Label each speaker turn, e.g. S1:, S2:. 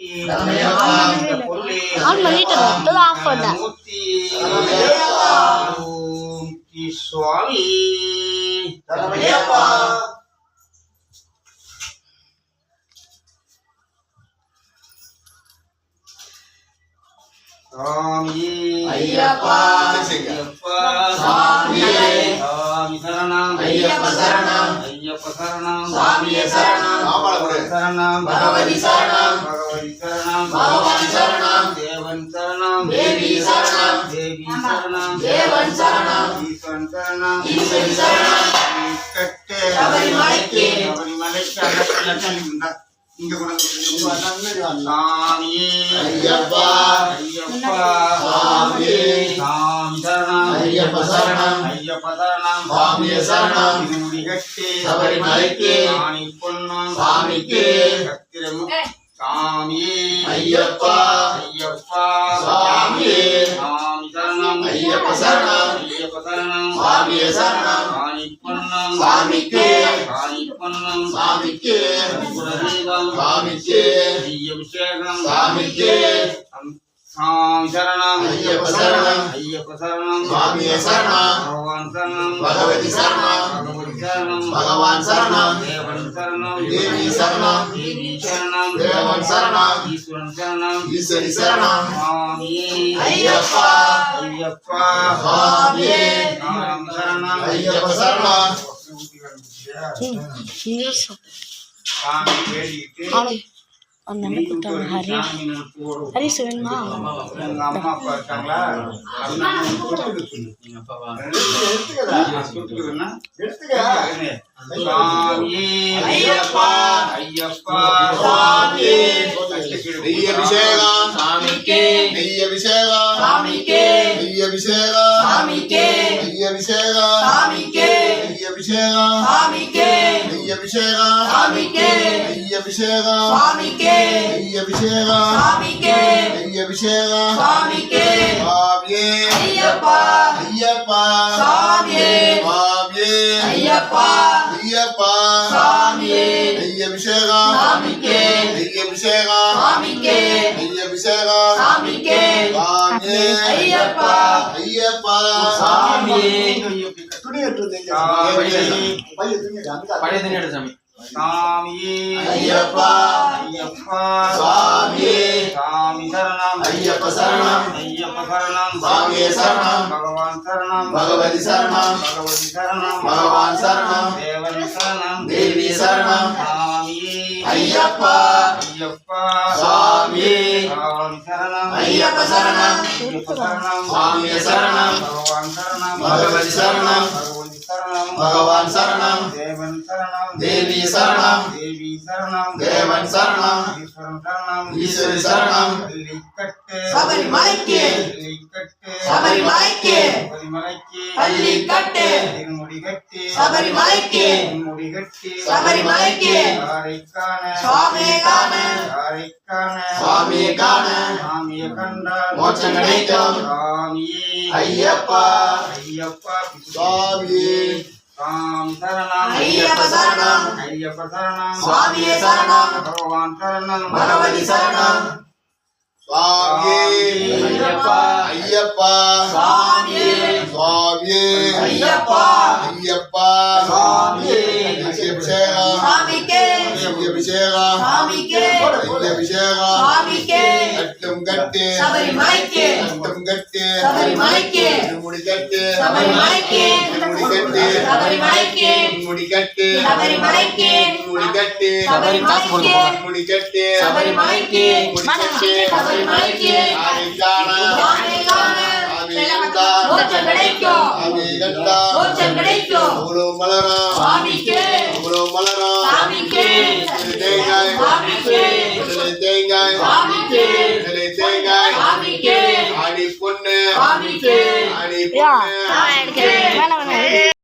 S1: on பண்ணிட்டேன் இப்பதான் of பண்ணேன்
S2: சுவாமி சாமி
S3: ஐயப்பா
S2: சாமி சரணம்
S3: ஐயப்ப சரணம்
S2: ஐயப்ப சரணம்
S3: சாமியே சரணம்
S2: சரணம்
S3: பகவதி சரணம்
S2: பகவதி சரணம்
S3: பகவான் சரணம்
S2: தேவன் சரணம்
S3: தேவி சரணம்
S2: தேவி சரணம்
S3: தேவன் சரணம்
S2: ஈஸ்வரன் சரணம்
S3: ஈஸ்வரி சரணம்
S2: கட்டே
S3: சபரிமலைக்கு
S2: சபரிமலைக்கு அகத்தில இங்க சாமி
S3: ஐயப்பா
S2: ஐயப்பா
S3: சாமி
S2: சாமி சரணம்
S3: ஐயப்ப சரணம்
S2: ஐயப்ப சரணம்
S3: சாமியே சரணம்
S2: முடிகட்டி
S3: சபரிமலைக்கு
S2: சாமி பொன்னம்
S3: சாமிக்கு
S2: கத்திரம் சாமி
S3: ஐயப்பா
S2: ஐயப்பா
S3: சாமி
S2: சாமி சரணம்
S3: ஐயப்ப சரணம்
S2: ஐயப்ப சரணம்
S3: சாமியே சரணம்
S2: சாமி பொன்னம்
S3: சாமிக்கு
S2: சாமி பொன்னம்
S3: சாமிக்கு
S2: குலதெய்வம்
S3: சாமிக்கு
S2: அபிஷேகம்
S3: சாமிக்கு
S2: சாமி சரணம்
S3: ஐயப்ப சரணம்
S2: ஐயப்ப சரணம்
S3: சாமியே சரணம்
S2: பகவான் சரணம்
S3: பகவதி சரணம்
S2: பகவதி சரணம்
S3: பகவான் சரணம்
S2: தேவன் சரணம்
S3: தேவி சரணம்
S2: தேவி சரணம்
S3: தேவன் சரணம்
S2: ஈஸ்வரன் சரணம்
S3: ஈஸ்வரி சரணம்
S2: சாமி
S3: ஐயப்பா
S2: ஐயப்பா
S3: சாமியே
S2: சாமி சரணம்
S3: ஐயப்ப சரணம்
S2: சாமி வேடிட்டு
S1: அந்த கொடுத்தாங்க ஹரி ஹரி வேணுமா
S2: எங்க அம்மா அப்பா இருக்காங்களா சாமி
S3: ஐயப்பா
S2: ஐயப்பா
S3: சாமி நெய் அபிஷேகம்
S1: சாமிக்கு
S3: நெய் அபிஷேகம்
S1: சாமிக்கு
S3: நெய் அபிஷேகம்
S1: சாமிக்கு
S3: நெய் அபிஷேகம்
S1: சாமிக்கு
S3: நெய் அபிஷேகம்
S1: சாமிக்கு
S3: நெய் அபிஷேகம்
S1: சாமிக்கு
S3: நெய் அபிஷேகம்
S1: சாமிக்கு
S3: நெய் அபிஷேகம்
S1: சாமிக்கு
S3: நெய் அபிஷேகம்
S1: சாமிக்கு
S3: சாமியே
S1: ஐயப்பா
S3: ஐயப்பா
S1: சாமியே
S3: சாமியே
S1: ஐயப்பா
S3: ஐயப்பா
S1: சாமியே
S3: நெய் அபிஷேகம்
S1: சாமிக்கு
S3: நெய் அபிஷேகம்
S1: சாமிக்கு
S3: நெய் அபிஷேகம்
S1: சாமிக்கு
S3: சாமியே
S1: ஐயப்பா
S3: ஐயப்பா
S1: சாமியே
S2: சாமி
S3: ஐயப்பா
S2: ஐயப்பா
S3: சாமி
S2: சாமி சரணம்
S3: ஐயப்ப சரணம்
S2: ஐயப்ப சரணம்
S3: சாமியே சரணம்
S2: பகவான் சரணம்
S3: பகவதி சரணம்
S2: பகவதி சரணம்
S3: பகவான் சரணம்
S2: தேவன் சரணம்
S3: தேவி சரணம்
S2: சாமி
S3: ஐயப்பா
S2: ஐயப்பா
S3: சாமி
S2: சாமி சரணம்
S3: ஐயப்ப சரணம்
S2: ஐயப்ப சரணம்
S3: சாமியே சரணம்
S2: பகவான் சரணம்
S3: பகவதி சரணம்
S2: பகவதி சரணம்
S3: பகவான் சரணம்
S2: தேவன் சரணம்
S3: தேவி சரணம்
S2: தேவி சரணம்
S3: தேவன் சரணம்
S2: ஈஸ்வரன் சரணம்
S3: ஈஸ்வரி சரணம்
S2: பள்ளிக்கட்டு
S1: சபரிமலைக்கு
S2: பள்ளிக்கட்டு
S1: சபரிமலைக்கு
S2: சபரிமலைக்கு
S1: பள்ளிக்கட்டு
S2: திருமுடிகட்டு
S1: சபரிமலைக்கு
S2: திருமுடிகட்டு
S1: சபரிமலைக்கு
S2: யாரைக்கான
S1: சுவாமியே காண
S2: யாரைக்கான
S3: சுவாமியே காண
S2: சாமியை கண்டால்
S3: மோட்சம் கிடைக்கும்
S2: சாமியே
S3: ஐயப்பா
S2: ஐயப்பா
S3: சாமியே
S2: சாமி சரணம்
S1: ஐயப்ப சரணம்
S2: ஐயப்ப சரணம்
S1: சுவாமியே சரணம்
S2: பகவான் சரணம்
S1: பகவதி சரணம்
S3: சுவாமியே
S1: ஐயப்பா
S3: ஐயப்பா
S1: சாமியே
S3: சுவாமியே
S1: ஐயப்பா
S3: ஐயப்பா
S1: சாமியே
S3: நெய் அபிஷேகம்
S1: சாமிக்கு
S3: நெய் அபிஷேகம்
S1: சாமிக்கு
S3: நெய் அபிஷேகம்
S1: சாமிக்கு
S3: கட்டும் கட்டு
S1: சபரிமலைக்கு
S3: கட்டும் கட்டு
S1: சபரிமலைக்கு
S3: திருமுடி கட்டு
S1: சபரிமலைக்கு
S3: திருமுடி கட்டு
S1: சபரிமலைக்கு
S3: திருமுடி கட்டு
S1: சபரிமலைக்கு
S3: திருமுடி கட்டு
S1: சபரிமலைக்கு
S3: திருமுடி கட்டு
S1: சபரிமலைக்கு சபரிமலைக்கு
S3: ஆனைக்கான
S1: சாமியே காண மோட்சம் கிடைக்கும் மோட்சம் கிடைக்கும்
S3: அவ்வளவு மலரம்
S1: சாமிக்கு
S3: அவ்வளவு மலரம்
S1: சாமிக்கு
S3: தேங்காய்
S1: சாமிக்கு
S3: தேங்காய்
S1: சாமிக்கு
S3: தேங்காய்
S1: சாமிக்கு
S3: ஆடி பொண்ணு
S1: சாமிக்கு
S3: ஆடி பொண்ணு